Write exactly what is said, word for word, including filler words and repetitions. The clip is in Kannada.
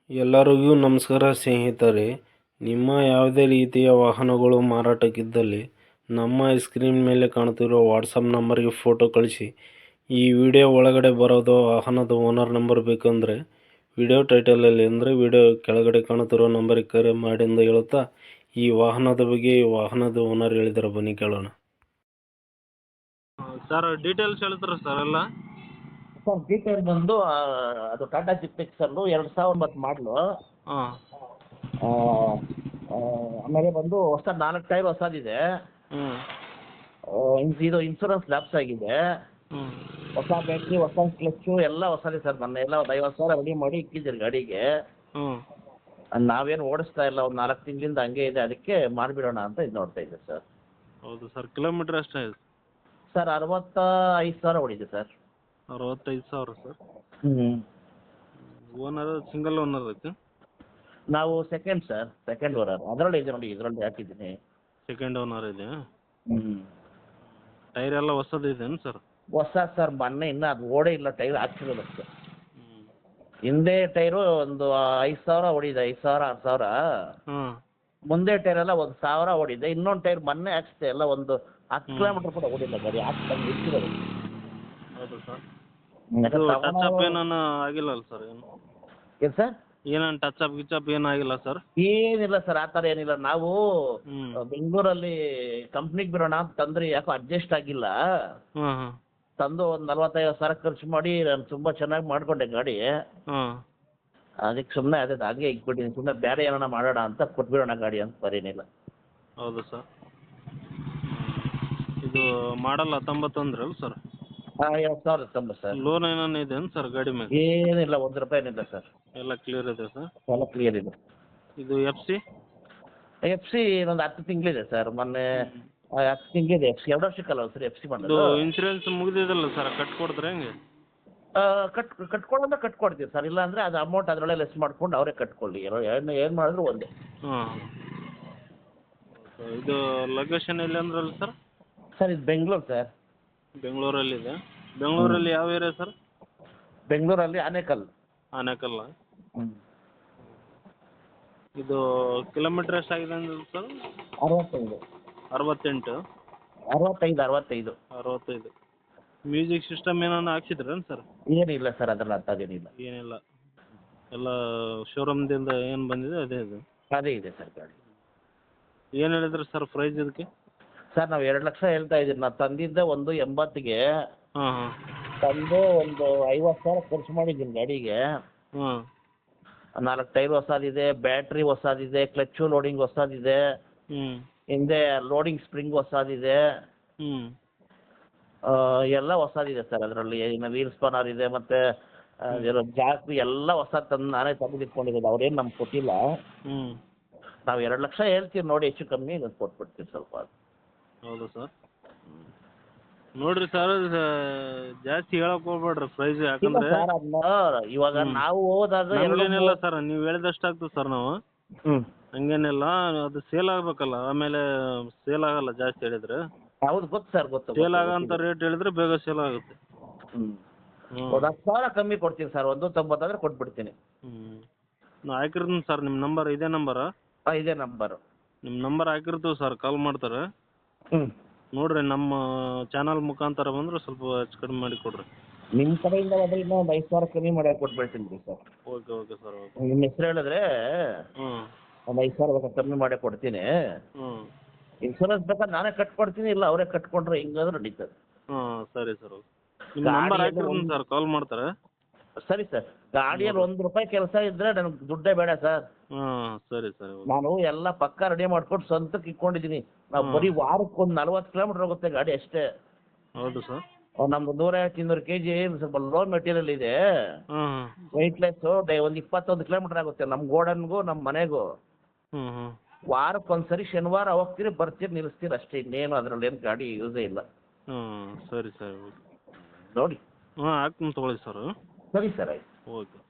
ಎಲ್ಲರಿಗೂ ನಮಸ್ಕಾರ ಸ್ನೇಹಿತರೆ. ನಿಮ್ಮ ಯಾವುದೇ ರೀತಿಯ ವಾಹನಗಳು ಮಾರಾಟಕ್ಕಿದ್ದಲ್ಲಿ ನಮ್ಮ ಸ್ಕ್ರೀನ್ ಮೇಲೆ ಕಾಣುತ್ತಿರುವ ವಾಟ್ಸಪ್ ನಂಬರ್ಗೆ ಫೋಟೋ ಕಳಿಸಿ. ಈ ವಿಡಿಯೋ ಒಳಗಡೆ ಬರೋದು ವಾಹನದ ಓನರ್ ನಂಬರ್ ಬೇಕಂದರೆ ವಿಡಿಯೋ ಟೈಟಲಲ್ಲಿ ಅಂದರೆ ವಿಡಿಯೋ ಕೆಳಗಡೆ ಕಾಣುತ್ತಿರೋ ನಂಬರಿಗೆ ಕರೆ ಮಾಡಿ ಎಂದು ಹೇಳುತ್ತಾ ಈ ವಾಹನದ ಬಗ್ಗೆ ಈ ವಾಹನದ ಓನರ್ ಹೇಳಿದ್ದಾರೆ, ಬನ್ನಿ ಕೇಳೋಣ. ಸರ್ ಡೀಟೇಲ್ಸ್ ಹೇಳ್ತಾರೆ ಸರ್ ಎಲ್ಲ. ಸರ್ ಡೀಟೇಲ್ ಬಂದು ಆ, ಅದು ಟಾಟಾ ಜಿಪ್ ಎಕ್ಸಲ್ಲು ಎರಡು ಸಾವಿರದ ಒಂಬತ್ತು ಮಾಡಲು. ಹಾಂ ಆಮೇಲೆ ಬಂದು ಹೊಸ ನಾಲ್ಕು ಟೈರ್ ಹೊಸದಿದೆ. ಹ್ಞೂ ಆ, ಇನ್- ಇದು ಇನ್ಸೂರೆನ್ಸ್ ಲ್ಯಾಪ್ಸ್ ಆಗಿದೆ. ಹ್ಞೂ ಹೊಸ ಬ್ಯಾಟ್ರಿ, ಹೊಸ ಕ್ಲಚ್ಚು ಎಲ್ಲ ಹೊಸದೇ ಸರ್. ನನ್ನ ಎಲ್ಲ ಒಂದು ಐವತ್ತು ಸಾವಿರ ರೆಡಿ ಮಾಡಿ ಇಕ್ಕಿದ್ದೀರಿ ಗಾಡಿಗೆ. ಹ್ಞೂ ಅದ್ ನಾವೇನು ಓಡಿಸ್ತಾ ಇಲ್ಲ, ಒಂದು ನಾಲ್ಕು ತಿಂಗಳಿಂದ ಹಂಗೆ ಇದೆ, ಅದಕ್ಕೆ ಮಾಡಿಬಿಡೋಣ ಅಂತ ಇದು ನೋಡ್ತಾ ಇದ್ದೆ ಸರ್. ಹೌದು ಸರ್. ಕಿಲೋಮೀಟ್ರ್ ಎಷ್ಟಾಗಿದೆ ಸರ್ ಅರವತ್ತ ಐದು ಸಾವಿರ ಹೊಡಿದೆ ಸರ್. ಅರವತ್ತೈದು ಸಾವಿರ ಸರ್. ಹ್ಞೂ ಓನರ್ ಸಿಂಗಲ್ ಓನರ್ ಐತೆ. ನಾವು ಸೆಕೆಂಡ್ ಸರ್, ಸೆಕೆಂಡ್ ಓನರ್. ಅದರಲ್ಲಿ ಇದೆ ನೋಡಿ, ಇದರಲ್ಲಿ ಹಾಕಿದ್ದೀನಿ. ಸೆಕೆಂಡ್ ಓನರ್ ಇದೆ. ಹ್ಞೂ ಟೈರ್ ಎಲ್ಲ ಹೊಸದು ಇದೆಯೇನು ಸರ್? ಹೊಸ ಸರ್, ಮೊನ್ನೆ ಇನ್ನೂ ಅದು ಓಡೇ ಇಲ್ಲ, ಟೈರ್ ಹಾಕ್ಸಿರೋದು ಅಷ್ಟೇ. ಹ್ಞೂ ಹಿಂದೆ ಟೈರು ಒಂದು ಐದು ಸಾವಿರ ಹೊಡಿದೆ, ಐದು ಸಾವಿರ ಆರು ಸಾವಿರ. ಹಾಂ ಮುಂದೆ ಟೈರ್ ಎಲ್ಲ ಒಂದು ಸಾವಿರ ಹೊಡಿದೆ. ಇನ್ನೊಂದು ಟೈರ್ ಮೊನ್ನೆ ಹಾಕ್ಸಿದೆ, ಎಲ್ಲ ಒಂದು ಹತ್ತು ಕಿಲೋಮೀಟ್ರ್ ಕೂಡ ಓಡಿಲ್ಲ ಗಾಡಿ, ಹಾಕ್ತಂಗೆ ಇಟ್ಟಿರೋದು. ಹೌದು ಸರ್. ಯಾಕಂದ್ರೆ ಇದು ಟಚ್ ತಗೊಂಡವ್ರು- ಅಪ್ ಏನಾನ ಆಗಿಲ್ಲ ಅಲ್ಲ ಸರ್? ಏನು ಏನು ಸರ್? ಏನಾನ ಟಚ್ ಅಪ್ ಗಿಚ್ ಅಪ್ ಏನಾಗಿಲ್ಲ ಸರ್? ಏನಿಲ್ಲ ಸರ್, ಆ ಥರ ಏನಿಲ್ಲ. ನಾವು ಹ್ಞೂ ಬೆಂಗಳೂರಲ್ಲಿ ಕಂಪ್ನಿಗೆ ಬಿಡೋಣ ಅಂತ ತಂದ್ರೆ ಯಾಕೋ ಅಡ್ಜಸ್ಟ್ ಆಗಿಲ್ಲ. ಹಾಂ ಹಾಂ ತಂದು ಒಂದು ನಲ್ವತ್ತೈದು ಸಾವಿರ ಖರ್ಚು ಮಾಡಿ ನಾನು ತುಂಬ ಚೆನ್ನಾಗಿ ಮಾಡಿಕೊಂಡೆ ಗಾಡಿ. ಹಾಂ ಅದಕ್ಕೆ ಸುಮ್ಮನೆ ಅದೇ ಹಾಗೆ ಇಟ್ಬಿಟ್ಟಿದ್ದೀನಿ. ಸುಮ್ಮನೆ ಬೇರೆ ಏನಾರ ಮಾಡೋಣ ಅಂತ ಕೊಟ್ಬಿಡೋಣ ಗಾಡಿ ಅಂತ ಬರೀನಿಲ್ಲ. ಹೌದು ಸರ್. ಇದು ಮಾಡಲ್ಲ ಹತ್ತೊಂಬತ್ತು ಅಂದ್ರಲ್ಲ ಸರ್? ಹಾಂ ಎರಡು ಸಾವಿರದ ತೊಂಬತ್ತು ಸರ್. ಲೋನ್ ಏನಾನ ಇದೆಯೇನು ಸರ್ ಗಾಡಿ ಮೇಲೆ? ಏನಿಲ್ಲ, ಒಂದು ರೂಪಾಯಿ ಏನಿಲ್ಲ ಸರ್. ಎಲ್ಲ ಕ್ಲಿಯರ್ ಇದೆ ಸರ್. ಎಲ್ಲ ಕ್ಲಿಯರ್ ಇದೆ. ಇದು ಎಫ್ ಸಿ? ಎಫ್ ಸಿ ಒಂದು ಹತ್ತು ತಿಂಗಳಿದೆ ಸರ್. ಮೊನ್ನೆ ಆ, ಹತ್ತು ತಿಂಗಳಿದೆ ಎಫ್ ಸಿ. ಎರಡು ವರ್ಷಕ್ಕಲ್ಲ ಸರ್ ಎಫ್ ಸಿ ಇದು ಮಾಡೋದು. ಇನ್ಸೂರೆನ್ಸ್ ಮುಗಿದಿದಲ್ಲ ಸರ್, ಕಟ್ಕೊಡ್ತಾರೆ ಹೆಂಗೆ? ಆ, ಕಟ್ ಕಟ್ಕೊಳ್ಳೋದ್ರೆ ಕಟ್ಕೊಡ್ತೀವಿ ಸರ್. ಇಲ್ಲ ಅಂದರೆ ಅದು ಅಮೌಂಟ್ ಅದರೊಳಗೆ ಲೆಸ್ ಮಾಡ್ಕೊಂಡು ಅವರೇ ಕಟ್ಕೊಳ್ಳಿ. ಏನು ಏನು ಏನು ಮಾಡಿದ್ರು ಒಂದೇ. ಹಾಂ ಇದು ಲೊಕೇಶನ್ ಎಲ್ಲಿ ಅಂದ್ರಲ್ಲ ಸರ್? ಸರ್ ಇದು ಬೆಂಗಳೂರು ಸರ್. ಬೆಂಗಳೂರಲ್ಲಿದೆ. ಬೆಂಗಳೂರಲ್ಲಿ ಯಾವ ಏರಿಯಾ ಸರ್? ಬೆಂಗಳೂರಲ್ಲಿ ಆನೇಕಲ್. ಆನೇಕಲ್ಲ. ಹ್ಞೂ ಇದು ಕಿಲೋಮೀಟ್ರ್ ಎಷ್ಟಾಗಿದೆ ಅಂದ್ರೆ ಸರ್? ಅರವತ್ತೈದು ಅರವತ್ತೆಂಟು ಅರವತ್ತೈದು ಅರವತ್ತೈದು ಅರವತ್ತೈದು. ಮ್ಯೂಸಿಕ್ ಸಿಸ್ಟಮ್ ಏನಾನ ಹಾಕ್ಸಿದ್ರೇನು ಸರ್? ಏನಿಲ್ಲ ಸರ್, ಅದರಲ್ಲಿ ಅಂಥದ್ದೇನಿಲ್ಲ. ಏನಿಲ್ಲ, ಎಲ್ಲ ಶೋರೂಮ್ದಿಂದ ಏನು ಬಂದಿದೆ ಅದೇ ಇದು. ಅದೇ ಇದೆ ಸರ್ ಗಾಡಿ. ಏನು ಹೇಳಿದ್ರಿ ಸರ್ ಪ್ರೈಸ್ ಇದಕ್ಕೆ? ಸರ್ ನಾವು ಎರಡು ಲಕ್ಷ ಹೇಳ್ತಾ ಇದ್ದೀವಿ. ನಾನು ತಂದಿದ್ದೆ ಒಂದು ಎಂಬತ್ತಿಗೆ. ಹಾಂ ಹಾಂ ತಂದು ಒಂದು ಐವತ್ತು ಸಾವಿರ ಖರ್ಚು ಮಾಡಿದ್ದೀನಿ ಗಾಡಿಗೆ. ಹಾಂ ನಾಲ್ಕು ಟೈರ್ ಹೊಸದಿದೆ, ಬ್ಯಾಟ್ರಿ ಹೊಸದಿದೆ, ಕ್ಲಚ್ಚು ಲೋಡಿಂಗ್ ಹೊಸದಿದೆ, ಹ್ಞೂ ಹಿಂದೆ ಲೋಡಿಂಗ್ ಸ್ಪ್ರಿಂಗ್ ಹೊಸದಿದೆ, ಹ್ಞೂ ಆ, ಎಲ್ಲ ಹೊಸದಿದೆ ಸರ್. ಅದರಲ್ಲಿ ಇನ್ನು ವೀಲ್ ಸ್ಪಾನರ್ ಇದೆ, ಮತ್ತು ಜಾಸ್ತಿ ಎಲ್ಲ ಹೊಸ ತಂದು ನಾನೇ ತೆಗೆದಿಟ್ಕೊಂಡಿರೋದು. ಅವ್ರೇನು ನಮ್ಗೆ ಕೊಟ್ಟಿಲ್ಲ. ಹ್ಞೂ ನಾವು ಎರಡು ಲಕ್ಷ ಹೇಳ್ತೀವಿ ನೋಡಿ, ಹೆಚ್ಚು ಕಮ್ಮಿ ಇದನ್ನು ಕೊಟ್ಬಿಡ್ತೀವಿ ಸ್ವಲ್ಪ. ಹೌದು ಸರ್. ನೋಡಿರಿ ಸರ್, ಜಾಸ್ತಿ ಹೇಳಕ್ಕೆ ಹೋಗ್ಬೇಡ್ರಿ ಪ್ರೈಸ್, ಇಲ್ಲ ಯಾಕಂದರೆ ಸರ್, ಅದನ್ನ ಇವಾಗ ನಾವು ಹೋದಾಗ ನಮಗೇನಿಲ್ಲ ಸರ್, ನೀವು ಹೇಳಿದಷ್ಟು ಆಗ್ತದೆ ಸರ್. ನಾವು ಹ್ಞೂ ಹಂಗೇನಿಲ್ಲ, ಅದು ಸೇಲ್ ಆಗಬೇಕಲ್ಲ, ಆಮೇಲೆ ಸೇಲ್ ಆಗಲ್ಲ ಜಾಸ್ತಿ ಹೇಳಿದ್ರೆ. ಹೌದು, ಗೊತ್ತು ಸರ್, ಗೊತ್ತು. ಸೇಲ್ ಆಗೋಂಥ ರೇಟ್ ಹೇಳಿದ್ರೆ ಬೇಗ ಸೇಲ್ ಆಗುತ್ತೆ. ಹ್ಞೂ ಹ್ಞೂ ಒಂದು ಹತ್ತು ಸಾವಿರ ಕಮ್ಮಿ ಕೊಡ್ತೀನಿ ಸರ್. ಒಂದು ತೊಂಬತ್ತಾದ್ರೆ ಕೊಟ್ಬಿಡ್ತೀನಿ. ಹ್ಞೂ ನಾ ಹಾಕಿರ್ತೀನಿ ಸರ್. ನಿಮ್ಮ ನಂಬರ್ ಇದೇ ನಂಬರಾ? ಹಾಂ, ಇದೇ ನಂಬರು. ನಿಮ್ಮ ನಂಬರ್ ಹಾಕಿರ್ತೀವಿ ಸರ್, ಕಾಲ್ ಮಾಡ್ತಾರೆ. ಹ್ಞೂ ನೋಡಿರಿ, ನಮ್ಮ ಚಾನಲ್ ಮುಖಾಂತರ ಬಂದರೆ ಸ್ವಲ್ಪ ಹೆಚ್ಚು ಕಡಿಮೆ ಮಾಡಿ ಕೊಡಿರಿ. ನಿಮ್ಮ ಕಡೆಯಿಂದ ಹೋದ್ರೆ ಇನ್ನೂ ಒಂದು ಐದು ಸಾವಿರ ಕಮ್ಮಿ ಮಾಡಿ ಕೊಟ್ಬಿಡ್ತೀನಿ ರೀ sir. Okay okay sir, okay. ನಿಮ್ಮ ಹೆಸರು ಹೇಳಿದ್ರೆ ಹ್ಞೂ ಒಂದು ಐದು ಸಾವಿರ ಬೇಕಾದ್ರೆ ಕಮ್ಮಿ ಮಾಡೇ ಕೊಡ್ತೀನಿ. ಹ್ಞೂ ಇನ್ಶೂರೆನ್ಸ್ ಬೇಕಾದ್ರೆ ನಾನೇ ಕಟ್ಕೊಡ್ತೀನಿ, ಇಲ್ಲ ಅವರೇ ಕಟ್ಕೊಂಡ್ರೆ ಹಿಂಗಾದ್ರೂ ನಡೀತದೆ. ಹಾಂ ಸರಿ ಸರ್, ಓಕೆ. ನಿಮ್ಮ ಗಾಡಿ ನಂಬರ್ ಎಲ್ಲ ಹಾಕಿರ್ತೀನಿ ಒಂದು- ಸರ್, ಕಾಲ್ ಮಾಡ್ತಾರೆ. ಸರಿ ಸರ್. ಗಾಡಿಯಲ್ಲಿ ಒಂದು ರೂಪಾಯಿ ಕೆಲಸ ಇದ್ದರೆ ನನಗೆ ದುಡ್ಡೇ ಬೇಡ ಸರ್. ಹಾಂ ಸರಿ ಸರಿ, ಓಕೆ. ನಾನು ಎಲ್ಲ ಪಕ್ಕ ರೆಡಿ ಮಾಡ್ಕೊಂಡು ಸ್ವಂತಕ್ಕೆ ಇಟ್ಕೊಂಡಿದ್ದೀನಿ. ನಾವು ಹ್ಮ್. ಬರೀ ವಾರಕ್ಕೆ ಒಂದು ನಲ್ವತ್ತು ಕಿಲೋಮೀಟ್ರ್ ಹೋಗುತ್ತೆ ಗಾಡಿ ಅಷ್ಟೇ. ಹೌದು ಸರ್. ನಮ್ದು ನೂರೈವತ್ತು ಇನ್ನೂರು ಕೆ ಜಿ ಸ್ವಲ್ಪ ಲೋ ಮೆಟೀರಿಯಲ್ ಇದೆ, ಹಾಂ ಹಾಂ ವೆಯ್ಟ್ಲೆಸ್ಸು. ಡೇ ಒಂದು ಇಪ್ಪತ್ತೊಂದು ಕಿಲೋಮೀಟ್ರ್ ಆಗುತ್ತೆ ನಮ್ಮ ಗೋಡನ್ಗೂ ನಮ್ಮ ಮನೆಗೂ. ಹ್ಞೂ ಹ್ಞೂ ವಾರಕ್ಕೆ ಒಂದು ಸರಿ ಶನಿವಾರ ಹೋಗ್ತೀರಿ, ಬರ್ತೀರಿ, ನಿಲ್ಲಿಸ್ತೀರಿ ಅಷ್ಟೇ. ಇನ್ನೇನು ಅದರಲ್ಲಿ ಏನು ಗಾಡಿ ಯೂಸೇ ಇಲ್ಲ. ಹ್ಞೂ ಸರಿ ಸರಿ, ಓಕೆ. ನೋಡಿ. ಹಾಂ ಹಾಕ್ತೀನಿ ತೊಗೊಳ್ಳಿ ಸರ್. ಸರಿ ಸರ್, ಆಯ್ತು. ಓಕೆ.